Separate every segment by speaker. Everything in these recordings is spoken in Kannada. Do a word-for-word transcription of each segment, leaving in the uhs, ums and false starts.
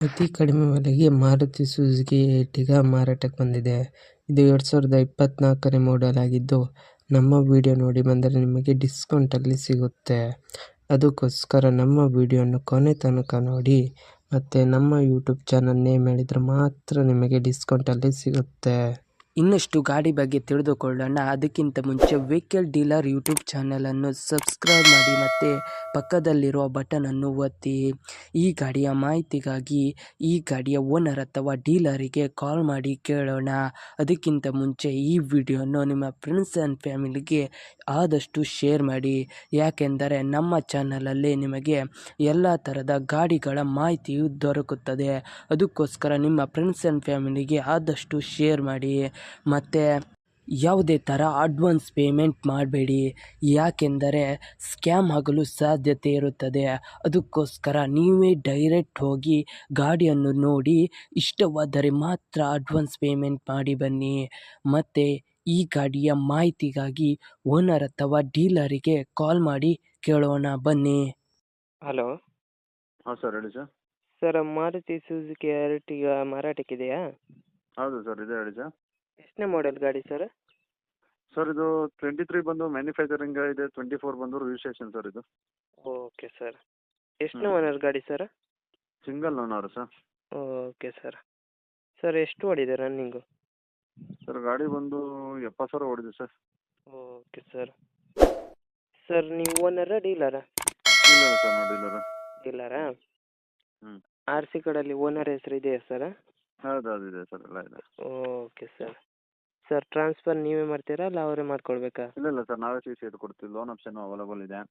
Speaker 1: ಅತಿ ಕಡಿಮೆ ಬೆಲೆಗೆ ಮಾರುತಿ ಸುಜುಕಿ ಎರ್ಟಿಗಾ ಮಾರಾಟಕ್ಕೆ ಬಂದಿದೆ. ಇದು ಎರಡು ಸಾವಿರದ ಇಪ್ಪತ್ನಾಲ್ಕನೇ ಮಾಡೆಲ್ ಆಗಿದ್ದು, ನಮ್ಮ ವಿಡಿಯೋ ನೋಡಿ ಬಂದರೆ ನಿಮಗೆ ಡಿಸ್ಕೌಂಟಲ್ಲಿ ಸಿಗುತ್ತೆ. ಅದಕ್ಕೋಸ್ಕರ ನಮ್ಮ ವಿಡಿಯೋನ ಕೊನೆ ತನಕ ನೋಡಿ ಮತ್ತು ನಮ್ಮ ಯೂಟ್ಯೂಬ್ ಚಾನಲ್ ನೇಮ್ ಹೇಳಿದರೆ ಮಾತ್ರ ನಿಮಗೆ ಡಿಸ್ಕೌಂಟಲ್ಲಿ ಸಿಗುತ್ತೆ. ಇನ್ನಷ್ಟು ಗಾಡಿ ಬಗ್ಗೆ ತಿಳಿದುಕೊಳ್ಳೋಣ. ಅದಕ್ಕಿಂತ ಮುಂಚೆ ವೆಹಿಕಲ್ ಡೀಲರ್ ಯೂಟ್ಯೂಬ್ ಚಾನಲನ್ನು ಸಬ್ಸ್ಕ್ರೈಬ್ ಮಾಡಿ ಮತ್ತು ಪಕ್ಕದಲ್ಲಿರುವ ಬಟನನ್ನು ಒತ್ತಿ. ಈ ಗಾಡಿಯ ಮಾಹಿತಿಗಾಗಿ ಈ ಗಾಡಿಯ ಓನರ್ ಅಥವಾ ಡೀಲರಿಗೆ ಕಾಲ್ ಮಾಡಿ ಕೇಳೋಣ. ಅದಕ್ಕಿಂತ ಮುಂಚೆ ಈ ವಿಡಿಯೋನ ನಿಮ್ಮ ಫ್ರೆಂಡ್ಸ್ ಆ್ಯಂಡ್ ಫ್ಯಾಮಿಲಿಗೆ ಆದಷ್ಟು ಶೇರ್ ಮಾಡಿ, ಯಾಕೆಂದರೆ ನಮ್ಮ ಚಾನಲಲ್ಲಿ ನಿಮಗೆ ಎಲ್ಲ ಥರದ ಗಾಡಿಗಳ ಮಾಹಿತಿಯು ದೊರಕುತ್ತದೆ. ಅದಕ್ಕೋಸ್ಕರ ನಿಮ್ಮ ಫ್ರೆಂಡ್ಸ್ ಆ್ಯಂಡ್ ಫ್ಯಾಮಿಲಿಗೆ ಆದಷ್ಟು ಶೇರ್ ಮಾಡಿ. ಮತ್ತು ಯಾವುದೇ ಥರ ಅಡ್ವಾನ್ಸ್ ಪೇಮೆಂಟ್ ಮಾಡಬೇಡಿ, ಯಾಕೆಂದರೆ ಸ್ಕ್ಯಾಮ್ ಆಗಲು ಸಾಧ್ಯತೆ ಇರುತ್ತದೆ. ಅದಕ್ಕೋಸ್ಕರ ನೀವೇ ಡೈರೆಕ್ಟ್ ಹೋಗಿ ಗಾಡಿಯನ್ನು ನೋಡಿ ಇಷ್ಟವಾದರೆ ಮಾತ್ರ ಅಡ್ವಾನ್ಸ್ ಪೇಮೆಂಟ್ ಮಾಡಿ ಬನ್ನಿ. ಮತ್ತು ಈ ಗಾಡಿಯ ಮಾಹಿತಿಗಾಗಿ ಓನರ್ ಅಥವಾ ಡೀಲರಿಗೆ ಕಾಲ್ ಮಾಡಿ ಕೇಳೋಣ ಬನ್ನಿ. ಹಲೋ
Speaker 2: ಹಾಂ ಸರ್, ಹೇಳಿ sir.
Speaker 1: Sir, Maruti Suzuki Ertiga ಮಾರಾಟಕ್ಕಿದೆಯಾ?
Speaker 2: ಹೌದು ಸರ್, ಇದೆ ಹೇಳಿ ಸರ್.
Speaker 1: ಎಷ್ಟನೇ ಮಾಡೆಲ್ ಗಾಡಿ ಸರ್?
Speaker 2: ಸರ್, ಇದು ಟ್ವೆಂಟಿ ತ್ರೀ ಬಂದು ಮ್ಯಾನುಫ್ಯಾಕ್ಚರಿಂಗ್ ಇದೆ, ಟ್ವೆಂಟಿ ಫೋರ್ ಬಂದು ರಿಜಿಸ್ಟ್ರೇಷನ್ ಸರ್. ಇದು
Speaker 1: ಓಕೆ ಸರ್. ಎಷ್ಟನೇ ಓನರ್ ಗಾಡಿ sir?
Speaker 2: Single owner sir.
Speaker 1: Okay sir. Sir, ಎಷ್ಟು ಓಡಿದೆ ರನ್ನಿಂಗು?
Speaker 2: ಸರ್, ಗಾಡಿ ಬಂದು ಎಪ್ಪತ್ತು ಸಾವಿರ ಓಡಿದೆ ಸರ್.
Speaker 1: Okay sir. ಸರ್, ನೀವು ಓನರಾ ಡೀಲರಾ?
Speaker 2: ಇಲ್ಲ ಸರ್, ನಾವು ಡೀಲರ್.
Speaker 1: ಡೀಲರಾ?
Speaker 2: ಹ್ಞೂ.
Speaker 1: ಆರ್ ಸಿ ಕಾರ್ಡಲ್ಲಿ ಓನರ್ ಹೆಸರು ಇದೆಯಾ ಸರ್?
Speaker 2: ಹೌದು, ಅದು ಇದೆ ಸರ್, ಎಲ್ಲ ಇದೆ.
Speaker 1: Okay sir. ಸರ್, ಟ್ರಾನ್ಸ್ಫರ್ ನೀವೇ ಮಾಡ್ತೀರಾ ಅಲ್ಲ ಅವರೇ ಮಾಡ್ಕೊಳ್ಬೇಕಾ?
Speaker 2: ಇಲ್ಲ ಇಲ್ಲ ಸರ್, ನಾವೇ ಸಿ ಸಿ ಇದು ಕೊಡ್ತೀವಿ. ಲೋನ್ ಆಪ್ಷನ್ ಅವೈಲೇಬಲ್ ಇದೆ.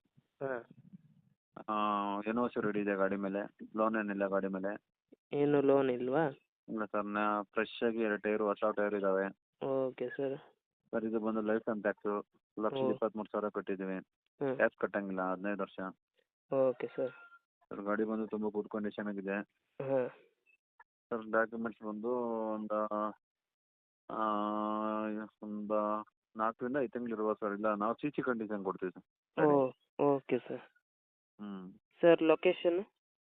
Speaker 1: ಹಾಂ.
Speaker 2: ಎನ್ ಓ ಸಿ ರೆಡಿ ಇದೆ ಗಾಡಿ ಮೇಲೆ. ಲೋನ್ ಏನಿಲ್ಲ ಗಾಡಿ ಮೇಲೆ.
Speaker 1: ಏನು ಲೋನ್ ಇಲ್ವಾ?
Speaker 2: ಇಲ್ಲ ಸರ್, ನಾ ಫ್ರೆಶ್ ಆಗಿ ಎರಡು ಟೈರು ಹೊಸ ಟೈರ್ ಇದ್ದಾವೆ.
Speaker 1: Okay sir.
Speaker 2: ಸರ್, ಇದು ಬಂದು ಲೈಫ್ ಟೈಮ್ ಟ್ಯಾಕ್ಸು ಲಕ್ಷದ
Speaker 1: ಓ.
Speaker 2: ಇಪ್ಪತ್ತ್ಮೂರು ಸಾವಿರ ಕಟ್ಟಿದ್ದೀವಿ.
Speaker 1: ಹ್ಞೂ.
Speaker 2: ಟ್ಯಾಕ್ಸ್ ಕಟ್ಟಂಗಿಲ್ಲ ಹದಿನೈದು ವರ್ಷ.
Speaker 1: Okay sir.
Speaker 2: ಸರ್, ಗಾಡಿ ಬಂದು ತುಂಬ ಗುಡ್ ಕಂಡೀಷನ್ ಆಗಿದೆ.
Speaker 1: ಹಾಂ.
Speaker 2: ಸರ್, ಡಾಕ್ಯುಮೆಂಟ್ಸ್ ಬಂದು ಒಂದು ಒಂದು ನಾಲ್ಕರಿಂದ ಐದು ತಿಂಗಳು ಇರುವ ಸರ್. ಇಲ್ಲ, ನಾವು ಸಿ ಸಿ ಕಂಡೀಷನ್ ಕೊಡ್ತೀವಿ ಸರ್.
Speaker 1: Oh okay sir.
Speaker 2: ಹ್ಞೂ.
Speaker 1: Sir, location?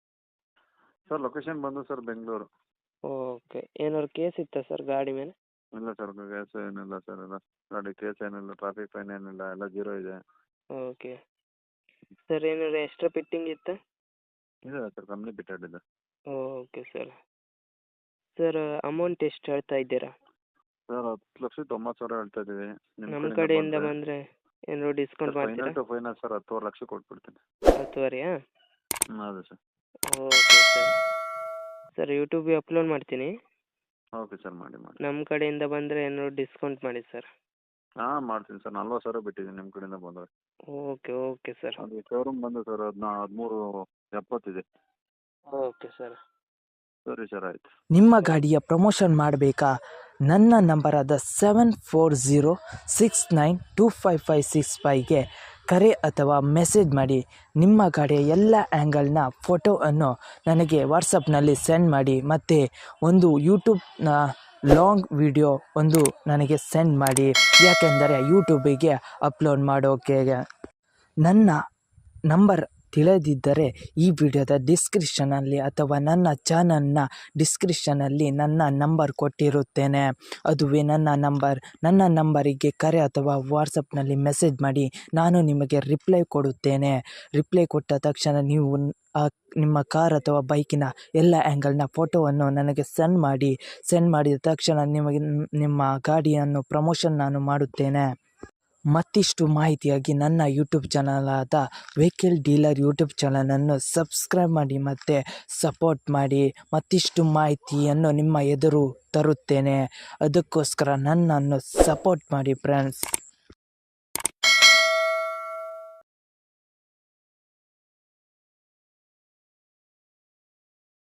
Speaker 2: ಸರ್, ಲೊಕೇಶನ್ ಬಂದು ಸರ್ ಬೆಂಗಳೂರು.
Speaker 1: ಓಕೆ. ಏನಾದ್ರು ಕೇಸ್ ಇತ್ತಾ ಸರ್ ಗಾಡಿ ಮೇಲೆ?
Speaker 2: ಇಲ್ಲ ಸರ್, ಕೇಸ್ ಏನಿಲ್ಲ ಸರ್. ಎಲ್ಲ ಗಾಡಿ ಕೇಸ್ ಏನಿಲ್ಲ, ಟ್ರಾಫಿಕ್ ಫೈನ್ ಏನಿಲ್ಲ, ಎಲ್ಲ ಜೀರೋ ಇದೆ.
Speaker 1: ಓಕೆ. ಸರ್, ಏನಾದ್ರು ಎಕ್ಸ್ಟ್ರಾ ಫಿಟ್ಟಿಂಗ್ ಇತ್ತಾ?
Speaker 2: ಇದೆ ಸರ್, ಕಂಪ್ನಿ ಬಿಟ್ಟೆಡ್ ಇದೆ.
Speaker 1: Okay sir. ಸರ್, ಅಮೌಂಟ್ ಎಷ್ಟು ಹೇಳ್ತಾ ಇದ್ದೀರಾ?
Speaker 2: ಸರ್, ಹತ್ತು ಲಕ್ಷದ ತೊಂಬತ್ತು ಸಾವಿರ ಹೇಳ್ತಾ ಇದ್ದೀವಿ.
Speaker 1: ನಮ್ಮ ಕಡೆಯಿಂದ ಬಂದರೆ ಏನಾದ್ರು ಡಿಸ್ಕೌಂಟ್ ಮಾಡ್ತೀರಾ?
Speaker 2: ಫೈನಲ್ ಟು ಫೈನಲ್ ಸರ್ ಹತ್ತುವರೆ ಲಕ್ಷ ಕೊಟ್ಬಿಡ್ತೀನಿ.
Speaker 1: ಹತ್ತುವರೆಯಾ?
Speaker 2: ಹ್ಞೂ, ಹೌದು ಸರ್.
Speaker 1: Okay sir. ಸರ್, ಯೂಟ್ಯೂಬಿಗೆ ಅಪ್ಲೋಡ್ ಮಾಡ್ತೀನಿ.
Speaker 2: ಓಕೆ ಸರ್, ಮಾಡಿ ಮಾಡಿ.
Speaker 1: ನಮ್ಮ ಕಡೆಯಿಂದ ಬಂದರೆ ಏನಾದ್ರು ಡಿಸ್ಕೌಂಟ್ ಮಾಡಿ ಸರ್.
Speaker 2: ಹಾಂ, ಮಾಡ್ತೀನಿ ಸರ್. ನಲ್ವತ್ತು ಸಾವಿರ ಬಿಟ್ಟಿದ್ದೀನಿ ನಿಮ್ಮ ಕಡೆಯಿಂದ ಬಂದರೆ.
Speaker 1: Okay okay sir.
Speaker 2: ಅದು ಶೋರೂಮ್ ಬಂದು ಸರ್ ಹದಿನಾ ಹದಿಮೂರು ಎಪ್ಪತ್ತಿದೆ.
Speaker 1: Okay sir.
Speaker 2: ಸರಿ ಸರ್, ಆಯಿತು.
Speaker 3: ನಿಮ್ಮ ಗಾಡಿಯ ಪ್ರಮೋಷನ್ ಮಾಡಬೇಕಾ? ನನ್ನ ನಂಬರಾದ seven four zero six nine two five five six ಫೈವ್ಗೆ ಕರೆ ಅಥವಾ ಮೆಸೇಜ್ ಮಾಡಿ. ನಿಮ್ಮ ಗಾಡಿಯ ಎಲ್ಲ ಆ್ಯಂಗಲ್ನ ಫೋಟೋವನ್ನು ನನಗೆ ವಾಟ್ಸಪ್ನಲ್ಲಿ ಸೆಂಡ್ ಮಾಡಿ. ಮತ್ತು ಒಂದು ಯೂಟ್ಯೂಬ್ನ ಲಾಂಗ್ ವಿಡಿಯೋ ಒಂದು ನನಗೆ ಸೆಂಡ್ ಮಾಡಿ, ಯಾಕೆಂದರೆ ಯೂಟ್ಯೂಬಿಗೆ ಅಪ್ಲೋಡ್ ಮಾಡೋಕೆ. ನನ್ನ ನಂಬರ್ ತಿಳಿದಿದ್ದರೆ ಈ ವಿಡಿಯೋದ ಡಿಸ್ಕ್ರಿಪ್ಷನಲ್ಲಿ ಅಥವಾ ನನ್ನ ಚಾನಲ್ನ ಡಿಸ್ಕ್ರಿಪ್ಷನಲ್ಲಿ ನನ್ನ ನಂಬರ್ ಕೊಟ್ಟಿರುತ್ತೇನೆ. ಅದುವೇ ನನ್ನ ನಂಬರ್. ನನ್ನ ನಂಬರಿಗೆ ಕರೆ ಅಥವಾ ವಾಟ್ಸಪ್ನಲ್ಲಿ ಮೆಸೇಜ್ ಮಾಡಿ, ನಾನು ನಿಮಗೆ ರಿಪ್ಲೈ ಕೊಡುತ್ತೇನೆ. ರಿಪ್ಲೈ ಕೊಟ್ಟ ತಕ್ಷಣ ನೀವು ಆ ನಿಮ್ಮ ಕಾರ್ ಅಥವಾ ಬೈಕಿನ ಎಲ್ಲ ಆ್ಯಂಗಲ್ನ ಫೋಟೋವನ್ನು ನನಗೆ ಸೆಂಡ್ ಮಾಡಿ. ಸೆಂಡ್ ಮಾಡಿದ ತಕ್ಷಣ ನಿಮಗೆ ನಿಮ್ಮ ಗಾಡಿಯನ್ನು ಪ್ರಮೋಷನ್ ನಾನು ಮಾಡುತ್ತೇನೆ. ಮತ್ತಿಷ್ಟು ಮಾಹಿತಿಯಾಗಿ ನನ್ನ ಯೂಟ್ಯೂಬ್ ಚಾನಲಾದ ವೆಹಿಕಲ್ ಡೀಲರ್ ಯೂಟ್ಯೂಬ್ ಚಾನಲನ್ನು ಸಬ್ಸ್ಕ್ರೈಬ್ ಮಾಡಿ ಮತ್ತು ಸಪೋರ್ಟ್ ಮಾಡಿ. ಮತ್ತಿಷ್ಟು ಮಾಹಿತಿಯನ್ನು ನಿಮ್ಮ ಎದುರು ತರುತ್ತೇನೆ. ಅದಕ್ಕೋಸ್ಕರ ನನ್ನನ್ನು ಸಪೋರ್ಟ್ ಮಾಡಿ ಫ್ರೆಂಡ್ಸ್.